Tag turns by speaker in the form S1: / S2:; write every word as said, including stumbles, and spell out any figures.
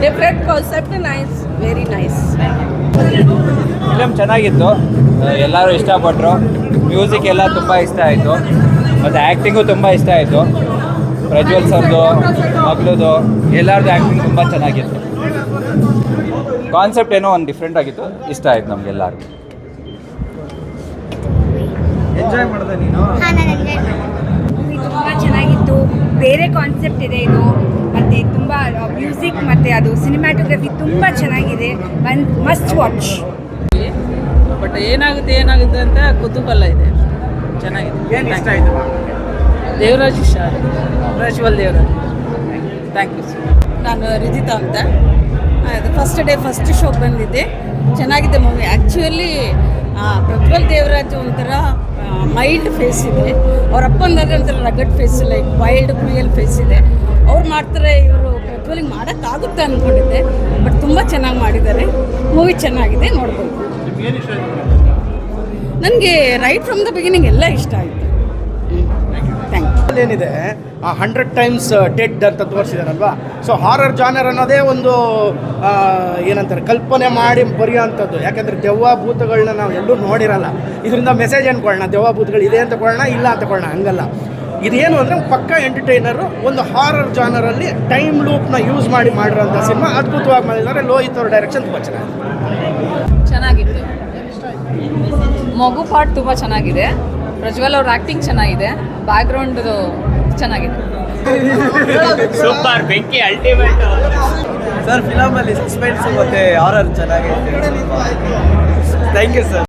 S1: Different concept nice, very nice.
S2: Film ಚೆನ್ನಾಗಿತ್ತು, ಎಲ್ಲರೂ ಇಷ್ಟಪಟ್ಟರು. Music ಎಲ್ಲ ತುಂಬ ಇಷ್ಟ ಆಯಿತು, ಮತ್ತು ಆ್ಯಕ್ಟಿಂಗು ತುಂಬ ಇಷ್ಟ ಆಯಿತು. ಪ್ರಜ್ವಲ್ ಸರ್ದು, ಮಗಳದು, ಎಲ್ಲರದ್ದು ಆ್ಯಕ್ಟಿಂಗ್ ತುಂಬ ಚೆನ್ನಾಗಿತ್ತು. ಕಾನ್ಸೆಪ್ಟ್ ಏನೋ ಒಂದು ಡಿಫ್ರೆಂಟ್ ಆಗಿತ್ತು, ಇಷ್ಟ ಆಯಿತು ನಮಗೆಲ್ಲರಿಗೂ.
S3: ಎಂಜಾಯ್ ಮಾಡಿದೆ ನೀನು?
S4: ಮೂವಿ ತುಂಬ ಚೆನ್ನಾಗಿತ್ತು. ಬೇರೆ ಕಾನ್ಸೆಪ್ಟ್ ಇದೆ ಇದು, ಮತ್ತು ತುಂಬ ಮ್ಯೂಸಿಕ್ ಮತ್ತು ಅದು ಸಿನಿಮ್ಯಾಟೋಗ್ರಫಿ ತುಂಬ ಚೆನ್ನಾಗಿದೆ. One must watch.
S1: ಬಟ್ ಏನಾಗುತ್ತೆ ಏನಾಗುತ್ತೆ ಅಂತ ಕುತೂಹಲ ಇದೆ. ಚೆನ್ನಾಗಿದೆ.
S3: ಏನು ಇಷ್ಟ ಆಯಿತು?
S1: ದೇವರಾಜ್ ಇಷ್ಟ ಆಗಿದೆ, ಪ್ರಜ್ವಲ್ ದೇವರಾಜ್. Thank you. ನಾನು ರಿಜಿತಾ ಅಂತ. ಅದು ಫಸ್ಟ್ ಡೇ ಫಸ್ಟ್ ಶೋಗೆ ಬಂದಿದ್ದೆ. ಚೆನ್ನಾಗಿದೆ ಮೂವಿ. ಆ್ಯಕ್ಚುಲಿ ಪ್ರಜ್ವಲ್ ದೇವರಾಜ್ ಒಂಥರ ಮೈಲ್ಡ್ ಫೇಸ್ ಇದೆ, ಅವ್ರ ಅಪ್ಪಂದಾದ್ರೆ ಒಂಥರ rugged face, like wild cruel face ಇದೆ. ಅವ್ರು ಮಾಡ್ತಾರೆ, ಇವರು ಪ್ರಜ್ವಲಿಗೆ ಮಾಡೋಕ್ಕಾಗುತ್ತೆ ಅಂದ್ಕೊಂಡಿದ್ದೆ. ಬಟ್ ತುಂಬ ಚೆನ್ನಾಗಿ ಮಾಡಿದ್ದಾರೆ. ಮೂವಿ ಚೆನ್ನಾಗಿದೆ, ನೋಡ್ಬೋದು. ನನಗೆ ರೈಟ್ ಫ್ರಮ್ ದ ಬಿಗಿನಿಂಗ್ ಎಲ್ಲ ಇಷ್ಟ ಆಯಿತು. Thank you.
S3: ಏನಿದೆ ಆ ಹಂಡ್ರೆಡ್ ಟೈಮ್ಸ್ ಡೆಡ್ ಅಂತ ತೋರಿಸಿದಾರಲ್ವಾ. ಸೊ ಹಾರರ್ ಜಾನರ್ ಅನ್ನೋದೇ ಒಂದು ಏನಂತಾರೆ ಕಲ್ಪನೆ ಮಾಡಿ ಬರೆಯೋವಂಥದ್ದು. ಯಾಕೆಂದರೆ ದೆವ್ವ ಭೂತಗಳನ್ನ ನಾವು ಎಲ್ಲೂ ನೋಡಿರಲ್ಲ. ಇದರಿಂದ ಮೆಸೇಜ್ ಅಂದ್ಕೊಳ್ಳೋಣ, ದೆವ್ವ ಭೂತಗಳು ಇದೆ ಅಂತ ಕೊಳ್ಳೋಣ, ಇಲ್ಲ ಅಂತ ಕೊಳ್ಳೋಣ, ಹಂಗಲ್ಲ. ಇದೇನು ಅಂದರೆ ಪಕ್ಕ ಎಂಟರ್ಟೈನರು ಒಂದು ಹಾರರ್ ಜಾನರಲ್ಲಿ ಟೈಮ್ ಲೂಪ್ನ ಯೂಸ್ ಮಾಡಿ ಮಾಡಿರೋಂಥ ಸಿನಿಮಾ ಅದ್ಭುತವಾಗಿ ಮಾಡಿದ್ದಾರೆ. ಲೋಹಿತ್ ಅವ್ರ ಡೈರೆಕ್ಷನ್ ತುಂಬ ಚೆನ್ನಾಗಿದೆ.
S5: ಚೆನ್ನಾಗಿತ್ತು. ಮಗು ಪಾರ್ಟ್ ತುಂಬ ಚೆನ್ನಾಗಿದೆ. ಪ್ರಜ್ವಲ್ ಅವ್ರ ಆ್ಯಕ್ಟಿಂಗ್ ಚೆನ್ನಾಗಿದೆ. ಬ್ಯಾಕ್ಗ್ರೌಂಡ್ ಚೆನ್ನಾಗಿದೆ.
S2: ಸೂಪರ್, ಬೆಂಕಿ, ಅಲ್ಟಿಮೇಟ್.
S6: ಸರ್ ಫಿಲಮಲ್ಲಿ ಸಸ್ಪೆನ್ಸ್ ಮತ್ತು ಹಾರರ್ ಚೆನ್ನಾಗಿದೆ. Thank you sir.